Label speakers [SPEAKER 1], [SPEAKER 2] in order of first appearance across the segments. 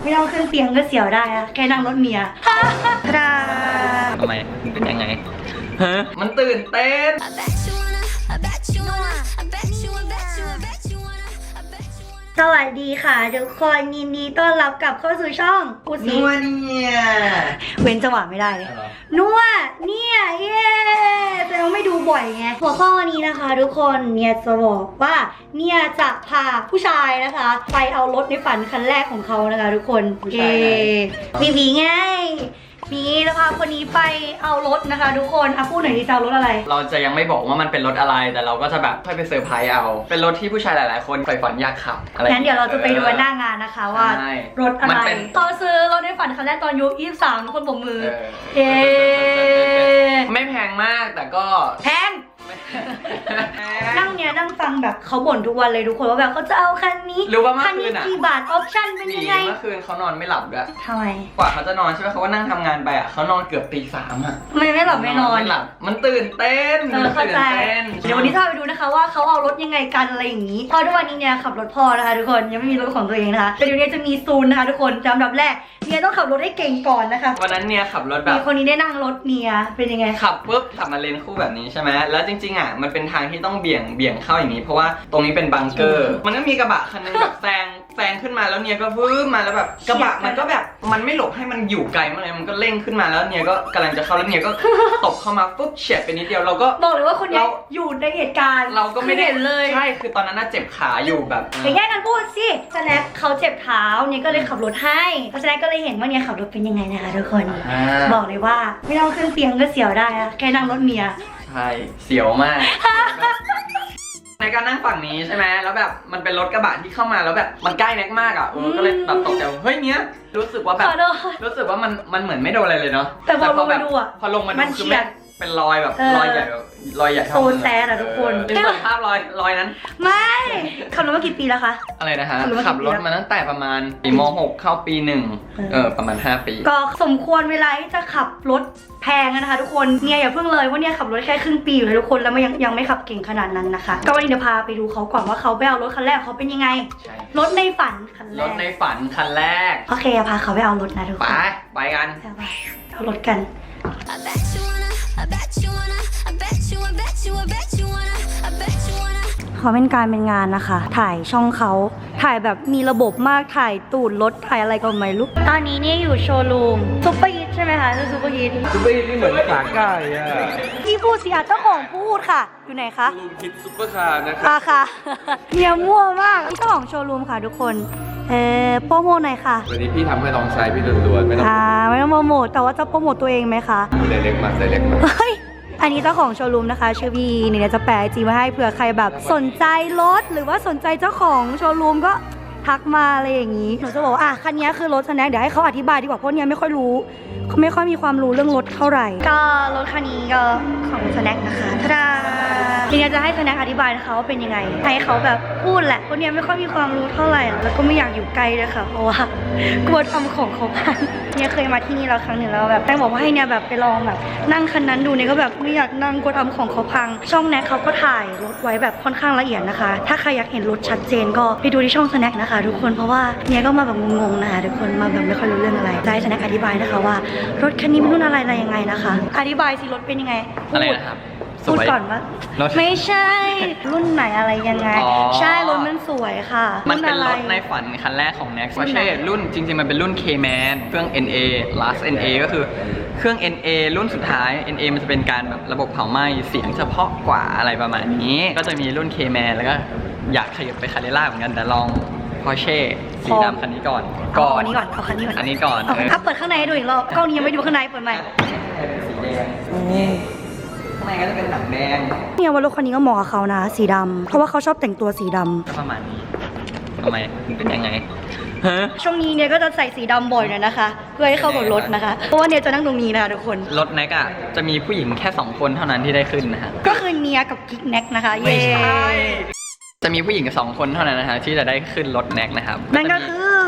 [SPEAKER 1] ไม่ต้องขึ้นเตียงก็เสียวได้อะแค่นั่งรถเมียทา
[SPEAKER 2] ทำไมเป็นยังไงฮะมันตื่นเต้น
[SPEAKER 1] สวัสดีค่ะทุกคนยินดีต้อนรับกลับเข้าสู่ช่องกูซี
[SPEAKER 2] นัวเนี่ย
[SPEAKER 1] เว้นจังหวะไม่ได้เลยนัวเนี่ยเย้แต่เราไม่ดูบ่อยไงหัวข้อนี้นะคะทุกคนเนี่ยจะบอกว่าเนี่ยจะพาผู้ชายนะคะ ไปเอารถในฝันคันแรกของเขานะคะทุกคนมีผีไงมีจะพาคนนี้ไปเอารถนะคะทุกคนพูดหน่อยดิจะเอารถอะไร
[SPEAKER 2] เราจะยังไม่บอกว่ามันเป็นรถอะไรแต่เราก็จะแบบค่อยไปเซอร์ไพรส์เอาเป็นรถที่ผู้ชายหลายๆคนใฝ่ฝันอยากขับอะไร
[SPEAKER 1] งั้นเดี๋ยวเราจะไปดูหน้างานนะคะว่ารถอะไรเขาซื้อรถในฝันคันแรกตอนอายุ23ทุกคนปรบมือ
[SPEAKER 2] ไม่แพงมากแต่ก็
[SPEAKER 1] แพงนั่งฟังแบบเขาบ่นทุกวันเลยทุกคนว่าแบบเขาจะเอาคันนี้
[SPEAKER 2] รู้ว่าเมื่อคืน
[SPEAKER 1] กี่บาทออปชั่นเป็นยังไง
[SPEAKER 2] เมื่อคืนเขานอนไม่หลับด้วย
[SPEAKER 1] ทำไม
[SPEAKER 2] กว่าเขาจะนอนใช่ไหมเขาก็นั่งทำงานไปเขานอนเกือบตี 3อ่ะ
[SPEAKER 1] ไม่หลับไม่นอน
[SPEAKER 2] มันตื่นเต้น
[SPEAKER 1] เข้าใจเดี๋ยววันนี้ถ้าไปดูนะคะว่าเขาเอารถยังไงกันอะไรอย่างนี้พอทุกวันนี้เนี่ยขับรถพ่อนะคะทุกคนยังไม่มีรถของตัวเองนะคะแต่เดี๋ยวนี้จะมีซูนนะคะทุกคนจำดับแรกเนี่ยต้องขับรถให้เก่งก่อนนะคะ
[SPEAKER 2] วันนั้นเนี่ยขับรถแบบ
[SPEAKER 1] มีคนนี้ได้นั่งรถเนี่ยเป็นยังไง
[SPEAKER 2] ขับปุ๊บขับมาเลนคู่แบบนี้ใช่ไหมแล้วจริงๆอ่ะมันเป็นทางที่ต้องเบี่ยงเข้าอย่างนี้เพราะว่าตรงนี้เป็นบังเกอร์มันก็มีกระบะคันนึงแบบแซงขึ้นมาแล้วเนี่ยก็วืบมาแล้วแบบกระบะมันก็แบบมันไม่หลบให้มันอยู่ไกลมากเลยมันก็เร่งขึ้นมาแล้วเนี่ยก็กำลังจะเข้าแล้วเนี่ยก็ตบเข้ามาปุ๊บเฉียดไปนิดเดียวเราก็
[SPEAKER 1] บอกเลยว่าคนนี้อยู่ในเหตุการณ์
[SPEAKER 2] เราก็ไม่
[SPEAKER 1] เห็นเลย
[SPEAKER 2] ใช่คือตอนนั้นน่ะเจ็บขาอยู่แบบ
[SPEAKER 1] อย่าแย่งกันพูดสิสแน็คเขาเจ็บเท้าเนี่ยก็เลยขับรถให้สแน็คก็เลยเห็นว่าเนี่ยขับรถเป็นยังไงนะคะทุกคนบอกเลยว่าไม่ต้องขึ้นเตียงก็เสียวได้อะแค่นั่งรถเมีย
[SPEAKER 2] ใช่เสียวมากในการนั่งฝั่งนี้ใช่ไหมแล้วแบบมันเป็นรถกระบะที่เข้ามาแล้วแบบมันใกล้แน็กมากอ่ะก็เลยแบบตกใจเฮ้ยเนี้ยรู้สึกว่าแบบรู้สึกว่ามันเหมือนไม่โดนอะไรเลยเนาะ
[SPEAKER 1] แต่พอลงมาดูอ่ะ
[SPEAKER 2] พอลงมาดูคือเป็นรอยแบบรอยใหญ่
[SPEAKER 1] โซนแซ่อะทุกคน
[SPEAKER 2] เป็นภาพรอยนั้น
[SPEAKER 1] ไม่ขับรถมากี่ปีแล้วคะ
[SPEAKER 2] อะไรนะคะขับรถมาตั้งแต่ประมาณปีม.6 เข้าปี 1ประมาณ5 ปี
[SPEAKER 1] ก็สมควรเวลาที่จะขับรถแพงนะคะทุกคนเนี่ยอย่าเพิ่งเลยว่าเนี่ยขับรถแค่ครึ่งปีอยู่เลยทุกคนแล้วยังไม่ขับเก่งขนาดนั้นนะคะก็วันนี้เดี๋ยวพาไปดูเขาก่อนว่าเขาไปเอารถคันแรกเขาเป็นยังไงรถในฝันคันแรก
[SPEAKER 2] รถในฝันคันแรก
[SPEAKER 1] โอเคพาเขาไปเอารถนะทุกคน
[SPEAKER 2] ไปกัน
[SPEAKER 1] เอารถกันเขาเป็นการเป็นงานนะคะถ่ายช่องเขาถ่ายแบบมีระบบมากถ่ายตูดรถถ่ายอะไรก็ไม่รู้ตอนนี้เนี่ยอยู่โชว์รูมซุปเปอร์ฮิตใช่ไหมคะซุปเปอร์ฮิต
[SPEAKER 3] นี่เหมือนขาไก่อะ
[SPEAKER 1] พี่พูดสิเจ้าของพูดค่ะอยู่ไหนคะ
[SPEAKER 3] โชว์รูมคิดซุปเปอร์คาร์นะคะ
[SPEAKER 1] ค่ะเนี่ยมั่วมากเจ้าของโชว์รูมค่ะทุกคนโปรโมทหน่อยค่ะ
[SPEAKER 3] วันนี้พี่ทำให้ลองใช้พี่ล้วนๆไม่ต้อง
[SPEAKER 1] โปรโมทแต่ว่าจะโปรโมทตัวเองไหมคะ
[SPEAKER 3] เล็กมา
[SPEAKER 1] เฮ้ยอันนี้เจ้าของโชว์รูมนะคะชื่อวีเนี่ยจะแปะจีมาให้เผื่อใครแบบสนใจรถหรือว่าสนใจเจ้าของโชว์รูมก็ทักมาอะไรอย่างนี้หนูจะบอกว่าคันนี้คือรถสแน็คเดี๋ยวให้เขาอธิบายดีกว่าเพราะเนี่ยไม่ค่อยรู้เขาไม่ค่อยมีความรู้เรื่องรถเท่าไหร่ก็รถคันนี้ก็ของสแน็คนะคะทาดาทีนี้จะให้สแน็คอธิบายนะคะว่าเป็นยังไงให้เขาแบบพูดแหละเพราะเนี่ยไม่ค่อยมีความรู้เท่าไหร่แล้วก็ไม่อยากอยู่ใกล้เลยค่ะเพราะว่ากลัวทำของเขาพังเนี่ยเคยมาที่นี่แล้วครั้งหนึ่งแล้วแบบแป้งบอกว่าให้เนี่ยแบบไปลองแบบนั่งคันนั้นดูเนี่ยก็แบบไม่อยากนั่งกลัวทำของเขาพังช่องแน็คเขาก็ถ่ายรถไว้แบบค่อนข้างละเอียดนะคะถ้าใครอยากเห็นรถชัดเจนก็ไปดูที่ช่องสแน็คนะคะทุกคนเพราะว่าเนี่ยก็มาแบบงงๆนะคะทุกคนมาแบบไม่ค่อยรู้เรื่องอะไรจะให้สแน็คอธิบายนะคะว่ารถคันนี้เป็นรุ่นอะไรยังไงนะคะอธิบายสิรถเป็นยังไง
[SPEAKER 2] อะไรนะครับ
[SPEAKER 1] พูดก่อนว่าไม่ใช่รุ่นไหนอะไรยังไงใช่รถมันสวยค่ะ
[SPEAKER 2] มันเป็นรถในฝันคันแรกของ Next ไม่ใช่รุ่นจริงๆมันเป็นรุ่น K-Man เครื่อง NA Last NA ก็คือเครื่อง NA รุ่นสุดท้าย NA มันจะเป็นการแบบระบบเผาไหม้เสียงเฉพาะกว่าอะไรประมาณนี้ก็จะมีรุ่น K-Man แล้วก็อยากขยับไปคาเรล่าเหมือนกันแต่ลอง Porsche สีดำคันนี้ก่อน
[SPEAKER 1] อันนี้ก่อนเอาคันนี้ก่อน
[SPEAKER 2] อันนี้ก่อน
[SPEAKER 1] เปิดข้างในให้ดูอีกรอบกล้องนี้ยังไม่ดูข้างในเปิดใหม่
[SPEAKER 2] สีแดงข้างในก็จะเป็นหนังแดง
[SPEAKER 1] เนี่ยว่ารถคันนี้ก็เหมาะกับเขานะสีดำเพราะว่าเขาชอบแต่งตัวสีด
[SPEAKER 2] ำประมาณนี้ทำไมเป็นยังไง
[SPEAKER 1] ช่วงนี้เนี่ยก็จะใส่สีดำบ่อยหน่อยนะคะเพื่อให้เข้ากับรถนะคะเพราะว่าเนี่ยจะนั่งตรงนี้นะคะทุกคน
[SPEAKER 2] รถแน็กอ่ะจะมีผู้หญิงแค่2 คนเท่านั้นที่ได้ขึ้นนะฮะ
[SPEAKER 1] ก็คือเนียกับกิ๊กแน็กนะคะ
[SPEAKER 2] ไม่ใช่จะมีผู้หญิง2 คนเท่านั้นนะคะที่จะได้ขึ้นรถแน็กนะครับ
[SPEAKER 1] นั่นก็คือ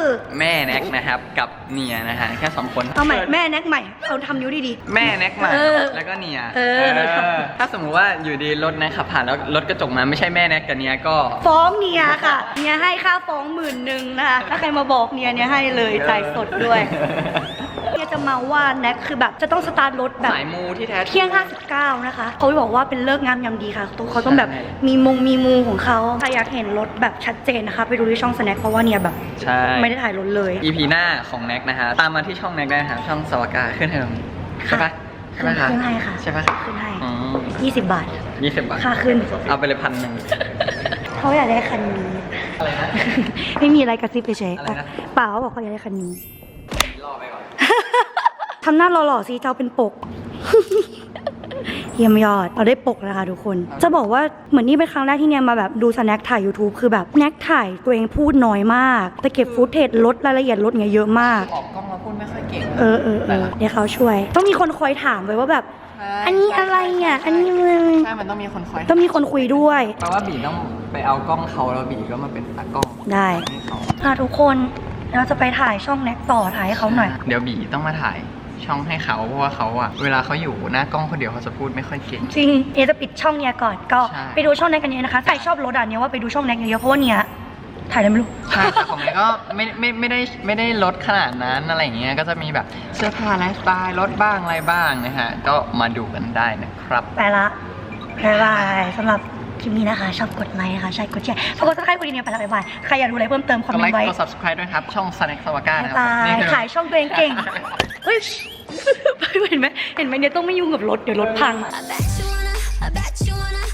[SPEAKER 2] แม่แน็กนะครับกับเนียนะฮะแค่2คน
[SPEAKER 1] เอาใหม่แม่แน็กใหม่เอาทำนิ้วดี
[SPEAKER 2] แม่แน็กมา
[SPEAKER 1] เออ
[SPEAKER 2] แล้วก็เนีย
[SPEAKER 1] เออ
[SPEAKER 2] ถ้าสมมุติว่าอยู่ดีรถแน็กขับผ่านแล้วรถกระจกมาไม่ใช่แม่แน็กกับเนียก็
[SPEAKER 1] ๆฟ้องเนียค่ะเนียให้ค่าฟ้อง10,000นะคะถ้าใครมาบอกเนียให้เลยจ่ายสดด้วยเนียจะมาว่าแน็กคือแบบจะต้องสตาร์ทรถแบบ
[SPEAKER 2] สายมูที่แท้จริง
[SPEAKER 1] เที่ยง 59 นะคะเขาบอกว่าเป็นเลิกษ์งามยามดีค่ะเขาต้องแบบ
[SPEAKER 2] ใช่
[SPEAKER 1] มีมูของเขาใครอยากเห็นรถแบบชัดเจนนะคะ ไปดูที่ช่องสแน็คเพราะว่าเนี่ยแบบ
[SPEAKER 2] ใช่
[SPEAKER 1] ไม่ได้ถ่ายรถเลย
[SPEAKER 2] EP หน้าของแน็กนะฮะตามมาที่ช่องแน็กได้นะครับช่องสวากาขึ้นให้ตรงนี้ใช่ปะใช่ปะคะ
[SPEAKER 1] ขึ้นให้ค่ะ
[SPEAKER 2] ใช่ปะ
[SPEAKER 1] ขึ้นให้
[SPEAKER 2] อืม
[SPEAKER 1] 20 บาท
[SPEAKER 2] 20 บาท
[SPEAKER 1] ค่าขึ้น
[SPEAKER 2] เอาไปเลย1,100
[SPEAKER 1] เขาอยากได้คันนี้
[SPEAKER 2] อะไรนะ
[SPEAKER 1] ไม่มีอะไรกระซิบเฉย
[SPEAKER 2] อะไรนะ
[SPEAKER 1] ๆเปล่าเขาบอกเขาอยากได้คันนี้
[SPEAKER 2] รอไปก่อน
[SPEAKER 1] ทำหน้าหล่อๆสิเจ้าเป็นปก เยี่ยมยอดเราได้ปกนะคะทุกคน จะบอกว่าเหมือนนี่เป็นครั้งแรกที่เนี่ยมาแบบดูสแน็คถ่าย YouTube คือแบบแน็กถ่ายตัวเองพูดน้อยมาก แต่เก็บฟุตเทจลดรายละเอียดลดเงี้ยเยอะมาก
[SPEAKER 2] ออกกล้องแล้วพูดไม่ค่อยเก่ง
[SPEAKER 1] เออเดี๋ยวเขาช่วย ต้องมีคนคอยถามไว้ว่าแบบ อันนี้อะไรอ่ะอันนี้มึง
[SPEAKER 2] ใช่มันต้องมีคนคอย
[SPEAKER 1] ต้องมีคนคุยด้วย
[SPEAKER 2] แปลว่าบีต้องไปเอากล้องเขาแล้วบีก็มาเป็นตากล้อง
[SPEAKER 1] ได้
[SPEAKER 2] ให้เขา
[SPEAKER 1] ค่ะทุกคนเราจะไปถ่ายช่องแน็กต่อถ่ายให้เขาหน่อย
[SPEAKER 2] เดี๋ยวบีต้องมาถ่ายช่องให้เขาเพราะว่าเขาอะเวลาเขาอยู่หน้ากล้องคนเดียวเขาจะพูดไม่ค่อยเก่ง
[SPEAKER 1] จริงเอจะปิดช่องเนี้ยก่อนก็
[SPEAKER 2] ใช่
[SPEAKER 1] ไปดูช่องแน็กกันเยอะนะคะใครชอบรถอ่ะเนี่ยว่าไปดูช่องแน็กเยอะๆเพราะว่าเนี่ยถ่ายอะไรไม่รู้
[SPEAKER 2] ใช่แต่ของแน็กก็ไม่ได้ลดขนาดนั้นอะไรอย่างเงี้ยก็จะมีแบบเสื้อผ้าไลฟ์สไตล์ลดบ้างอะไรบ้างนะฮะก็มาดูกันได้นะครับ
[SPEAKER 1] ไปละบ๊ายบายสำหรับคลิปนี้นะคะ ชอบกดไลค์นะคะใช่กดแชร์ฝากกดซับสไครต์กดกระดิ่งไปละบ๊ายบายใครอยากดูอะไรเพิ่มเติมคอม
[SPEAKER 2] กด
[SPEAKER 1] เม
[SPEAKER 2] ไล
[SPEAKER 1] น
[SPEAKER 2] ค์
[SPEAKER 1] ต์ไว้
[SPEAKER 2] กด subscribe ด้วยครับ ช่อง Snack สวาก้า
[SPEAKER 1] บ๊าย
[SPEAKER 2] นะครับ
[SPEAKER 1] บาย
[SPEAKER 2] นี่คือ
[SPEAKER 1] ขายช่องตัวเองเก่งเฮ้ยเห็นไหมเนี่ยต้องไม่ยุ่งกับรถเดี๋ยวรถพัง
[SPEAKER 4] I bet you wanna